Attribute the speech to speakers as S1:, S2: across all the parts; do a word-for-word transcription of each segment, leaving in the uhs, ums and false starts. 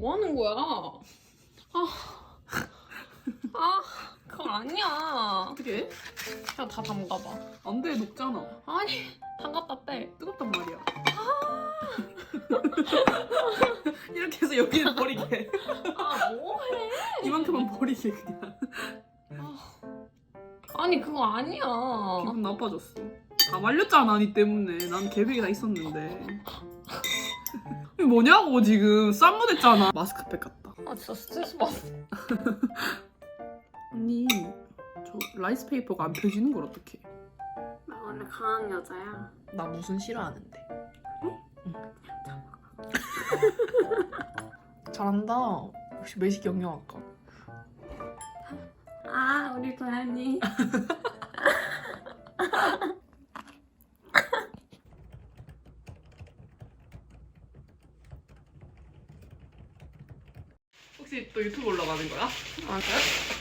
S1: 뭐 하는 거야? 아, 아, 그거 아니야.
S2: 어떻게 해?
S1: 그냥 다 담가봐.
S2: 안 돼, 녹잖아.
S1: 아니, 담갔다 빼.
S2: 뜨겁단 말이야. 이렇게 해서 여기는 버리게.
S1: 아, 뭐해?
S2: 이만큼만 버리게 그냥.
S1: 아니, 그거 아니야.
S2: 기분 나빠졌어. 다 말렸잖아, 니 때문에. 난 계획이 다 있었는데. 이게 뭐냐고 지금. 쌈무됐잖아. 마스크팩 같다.
S1: 아, 진짜 스트레스 받아.
S2: 언니, 저 라이스페이퍼가 안 펴지는 걸 어떡해?
S1: 나 원래 강한 여자야.
S2: 나 무슨 싫어하는데. 응? 잘한다. 역시 매식 영양학과.
S1: 아, 우리 도현이.
S2: 혹시 또 유튜브 올라가는 거야?
S1: 아, 그래?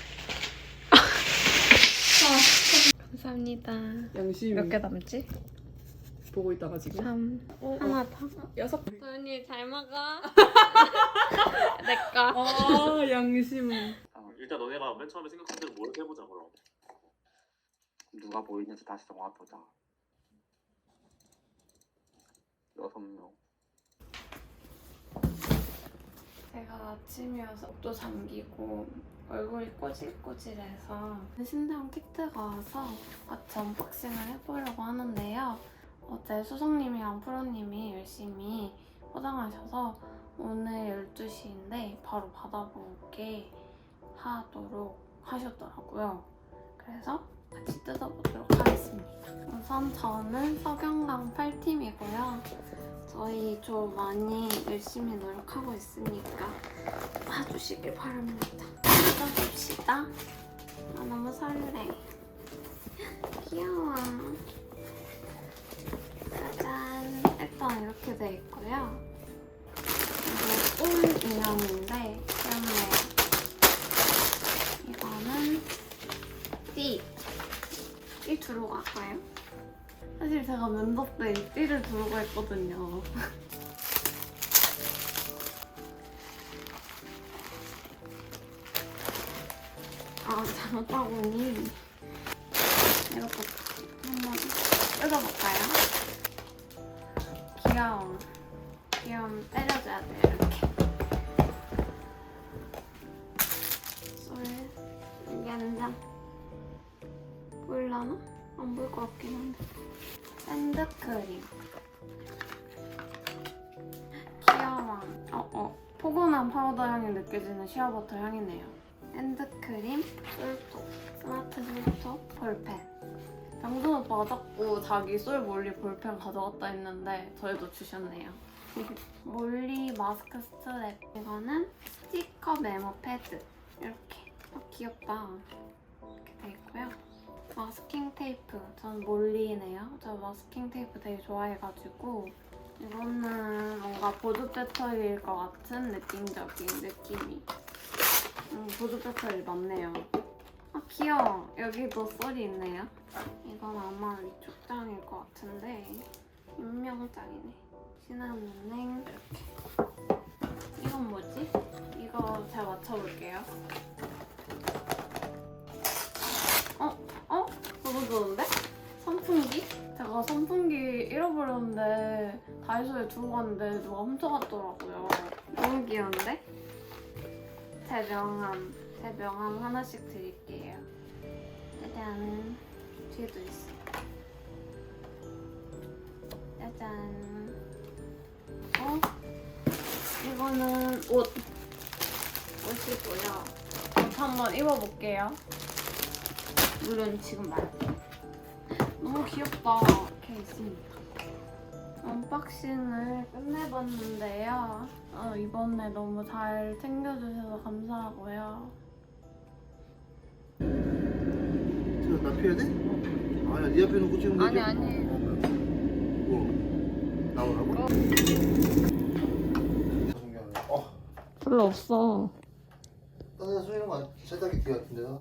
S1: 감사합니다.
S2: 양심.
S1: 몇 개 남지?
S2: 보고 있다가 지금.
S1: 삼.
S2: 어,
S1: 하나 더.
S2: 여섯.
S1: 도현이 잘 먹어. 내꺼.
S2: 아, 양심.
S3: 일단 너네가 맨 처음에 생각한 대로 뭘 해보자 그럼. 누가 보이는지 다시 정해보자. 여섯 명.
S1: 제가 아침이어서 목도 잠기고 얼굴이 꼬질꼬질해서 신대원 키트가 와서 같이 언박싱을 해보려고 하는데요. 어제 수성님이랑 프로님이 열심히 포장하셔서 오늘 열두 시인데 바로 받아보게 하도록 하셨더라고요. 그래서 같이 뜯어보도록 하겠습니다. 우선 저는 석영강 팔 팀이고요. 저희 좀 많이 열심히 노력하고 있으니까 봐주시길 바랍니다. 뜯어봅시다. 아, 너무 설레. 귀여워. 짜잔. 일단 이렇게 돼 있고요. 이게 온 인형인데 귀엽네요. 이거는 띠. 띠 두르고 갈까요? 사실 제가 면접 때 이 띠를 두르고 했거든요. 아, 잘못하고니 이렇게 한번 뜯어볼까요? 귀여워. 귀여움 때려줘야 돼요, 이렇게. 쏠, 여기 한 장. 보일라나? 안 보일 것 같긴 한데. 샌드크림. 귀여워. 어, 어. 포근한 파우더 향이 느껴지는 시어버터 향이네요. 샌드크림, 솔톱, 스마트 솔톱, 볼펜. 병준 오빠가 자꾸 자기 솔 몰리 볼펜 가져갔다 했는데 저희도 주셨네요. 몰리 마스크 스트랩. 이거는 스티커 메모 패드. 이렇게. 아, 귀엽다. 이렇게 돼 있고요. 마스킹 테이프. 전 몰리네요. 저 마스킹 테이프 되게 좋아해가지고 이거는 뭔가 보조 배터리일 것 같은 느낌적인 느낌이. 음, 보조 배터리 맞네요. 아, 귀여워. 여기도 썰이 있네요. 이건 아마 위쪽 장일 것 같은데 임명장이네. 시나몬행 이렇게. 이건 뭐지? 이거 잘 맞춰볼게요. 어? 어? 너무 좋은데? 선풍기? 제가 선풍기 잃어버렸는데 다이소에 두고 갔는데 누가 훔쳐갔더라고요. 너무 귀여운데? 제 명함, 제 명함 하나씩 드릴게요. 짜잔. 뒤에도 있어. 짜잔. 어? 이거는 옷. 옷이고요. 옷 한번 입어볼게요. 물론 지금 말고. 너무 귀엽다. 이렇게 있습니다. 언박싱을 끝내봤는데요. 어, 이번에 너무 잘 챙겨주셔서 감사하고요.
S4: 지금 나 피해야 돼? 아니야, 네 앞에 놓고 찍는 거지?
S1: 아니 아니.
S4: 뭐? 나오라고? 어.
S1: 별로 없어.
S4: 딴 데서 쏘이는 거 세탁기 뒤 같은데요?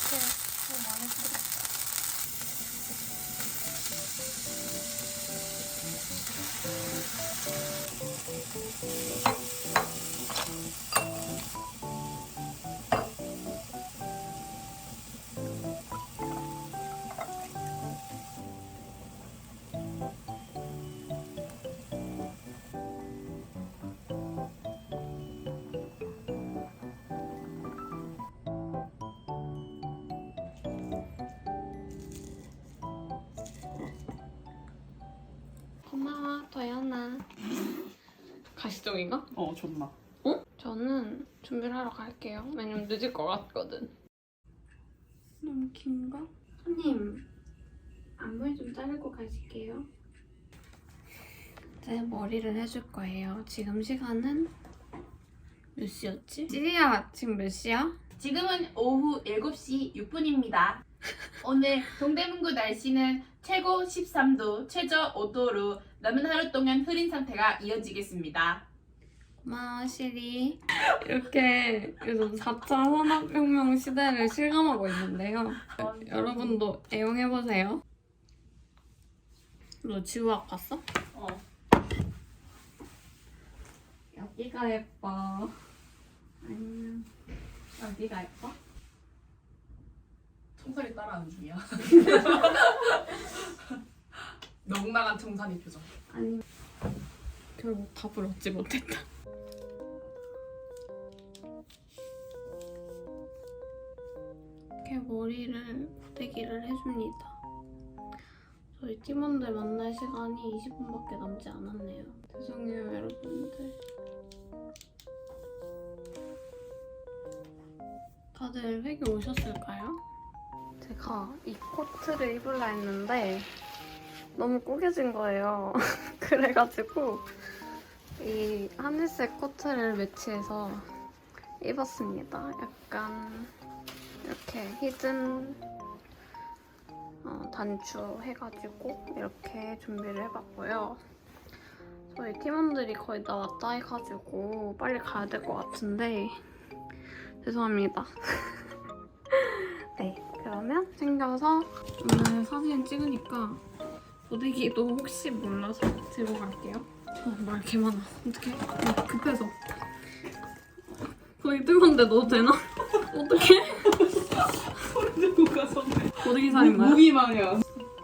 S1: 너무 많이 쓰겠다. 고마워, 도연아. 가시적인가?
S2: 어 존나.
S1: 어? 저는 준비를 하러 갈게요. 왜냐면 늦을 것 같거든. 너무 긴가? 손님, 앞머리 좀 자르고 가실게요. 제 머리를 해줄 거예요. 지금 시간은 몇 시였지? 찌리야, 지금 몇 시야?
S5: 지금은 오후 일곱 시 육 분입니다. 오늘 동대문구 날씨는 최고 십삼 도, 최저 오 도로 남은 하루 동안 흐린 상태가 이어지겠습니다.
S1: 고마워, 시리. 이렇게 요즘 사 차 산업혁명 시대를 실감하고 있는데요. 여러분도 애용해보세요. 너 지우학 봤어?
S2: 어.
S1: 여기가 예뻐. 아니면 여기가 예뻐?
S2: 청산이 따라하는 중이야. 넉나간 청산이 표정.
S1: 아니 결국 답을 얻지 못했다. 이렇게 머리를 고데기를 해줍니다. 저희 팀원들 만날 시간이 이십 분밖에 남지 않았네요. 죄송해요 여러분들. 다들 회기 오셨을까요? 제가 이 코트를 입으려 했는데 너무 꾸겨진 거예요. 그래가지고 이 하늘색 코트를 매치해서 입었습니다. 약간 이렇게 히든 어, 단추 해가지고 이렇게 준비를 해봤고요. 저희 팀원들이 거의 다 왔다 해가지고 빨리 가야 될 것 같은데 죄송합니다. 네, 그러면 챙겨서 오늘 사진 찍으니까 고데기도 혹시 몰라서 들고 갈게요. 어, 말 개 많아. 어떡해? 어, 급해서. 고데기 뜨거운데 넣어도 되나? 어떡해?
S2: 소리 듣고 가서
S1: 고데기 살인마요?
S2: 무기 마냥.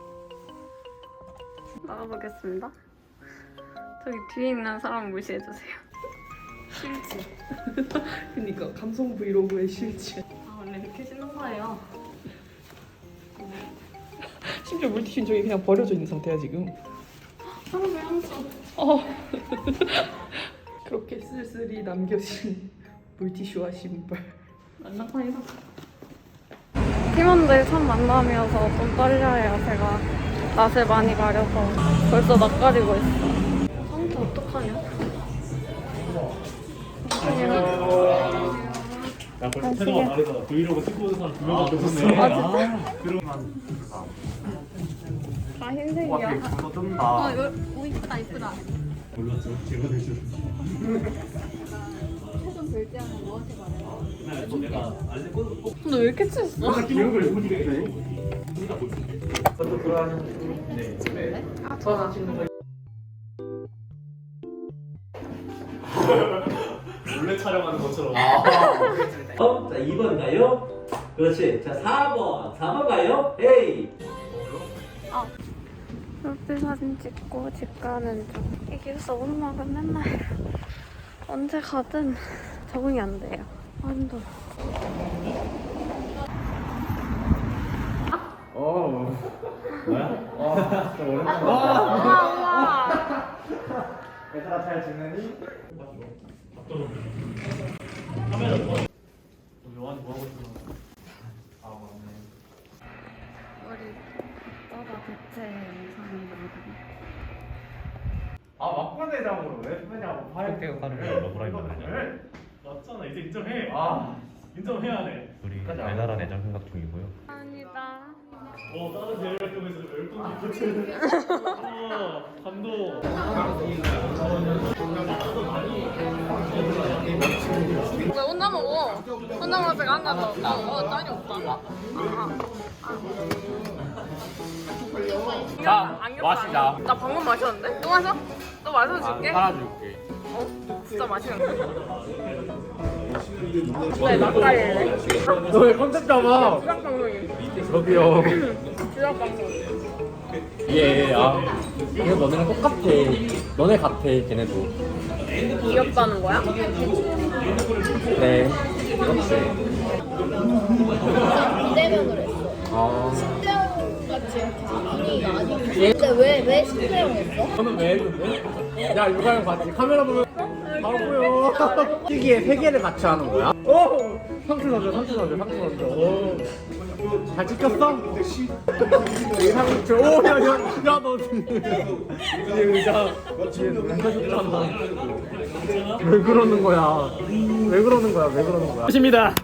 S1: 나가보겠습니다. 저기 뒤에 있는 사람 무시해주세요.
S2: 실지. 그니까 감성 브이로그의 실지.
S1: 아, 원래 이렇게 신는 거예요.
S2: 심지어 물티슈는 저기 그냥 버려져 있는 상태야 지금.
S1: 사람이 항상
S2: 어. 그렇게 쓸쓸히 남겨진 물티슈와 신발.
S1: 만나파이다. 팀원들 처음 만남이어서 좀 떨려요. 제가 낯을 많이 가려서 벌써 낯가리고 있어. 상태 어떡하냐?
S6: 야, 벌써 태도가 다르다. 브이로그 찍고 있는 사람 두 명밖에 없네.
S1: 아, 진짜?
S6: 그러면
S1: 다 흰색이야.
S6: 분노
S1: 어,
S6: 뜬다.
S1: 이거 오 이쁘다, 이쁘다.
S6: 몰랐죠? 제가 대줄.
S1: 최종 결제하는 너한테 말해.
S6: 또 내가 알림 꽂고 꼭
S1: 근데 왜 이렇게 취했어?
S6: 기억을 해보니까 돼.
S4: 또 들어가는
S6: 네.
S1: 아, 저
S6: 몰래 촬영하는 것처럼.
S7: 어? 자, 이 번 가요? 그렇지. 자, 사 번. 사 번 가요? 헤이.
S1: 프로필 사진 찍고 집 가는 중. 이게 서운막은 맨날 언제 가든 적응이 안 돼요. 아, 힘들어.
S6: 어. 뭐야? 어. 좀 오랜만에.
S1: 우와, 우와.
S6: 얘들아 잘 지내니? 요한이 뭐 하고 있어? 아 맞네.
S1: 머리 떠다 대체 영상이거든요.
S6: 아 막판 대장으로 왜 쓰냐고 파이팅 가는 거 러브라인 말이야? 맞잖아 이제 인정해. 아 인정해야 돼.
S8: 우리 달달한 애정 생각 중이고요.
S1: 감사합니다.
S6: 다른 대회 활동에서 열풍기 교체를. 어, 감동.
S1: 왜 혼자 먹어? 혼자 먹을 때가 안 가서 나 어, 짠이 없다.
S6: 자, 마시자.
S1: 나 방금 마셨는데? 또 마셔? 또 마셔줄게.
S6: 팔아줄게.
S1: 어? 진짜 맛있는데? 네, 막가일래.
S6: 너왜 컨셉 잡아?
S1: 주작 방송이.
S6: 저기요.
S1: 주작 방송.
S6: 예, 아. 이거 너네랑 똑같아. 너네 같아, 걔네도.
S1: 귀엽다는 거야?
S6: 네. 그렇지.
S8: 비대면을 했어.
S6: 아.
S8: 신대영 같이 이렇게 분위기가 아니고. 근데 왜, 왜 신대영 했어?
S6: 저는 왜 했는데? 야, 유가형 봤지? 카메라 보면 바로 보여. 시기에 세 개를 같이 하는 거야? 오! 상추 넣어줘, 상추 넣어줘, 상추 넣어줘. 오. 잘 찍혔어? 이 상추. 오, 야, 야, 야, 너 지금. 이 의자. 뒤에 눈 펴줬잖아. 왜 그러는 거야? 왜 그러는 거야? 왜 그러는 거야? 십니다.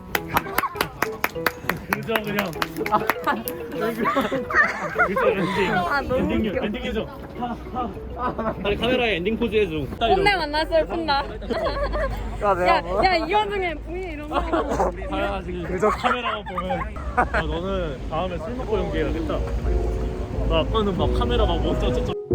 S6: 그죠, 그냥. 왜 그러는 거야? 그죠, 엔딩.
S1: 아, 너무
S6: 엔딩,
S1: 웃겨.
S6: 엔딩 해줘. 빨리 카메라에 엔딩 포즈 해줘.
S1: 꼰대 만났어요, 꼰다. 야, 야, 이 와중에 부인 이런 거.
S6: 다야 지금 그저 카메라만 보면 야, 너는 다음에 술 먹고 연기해야겠다. 나 아까는 막 카메라 막 먼저 저쪽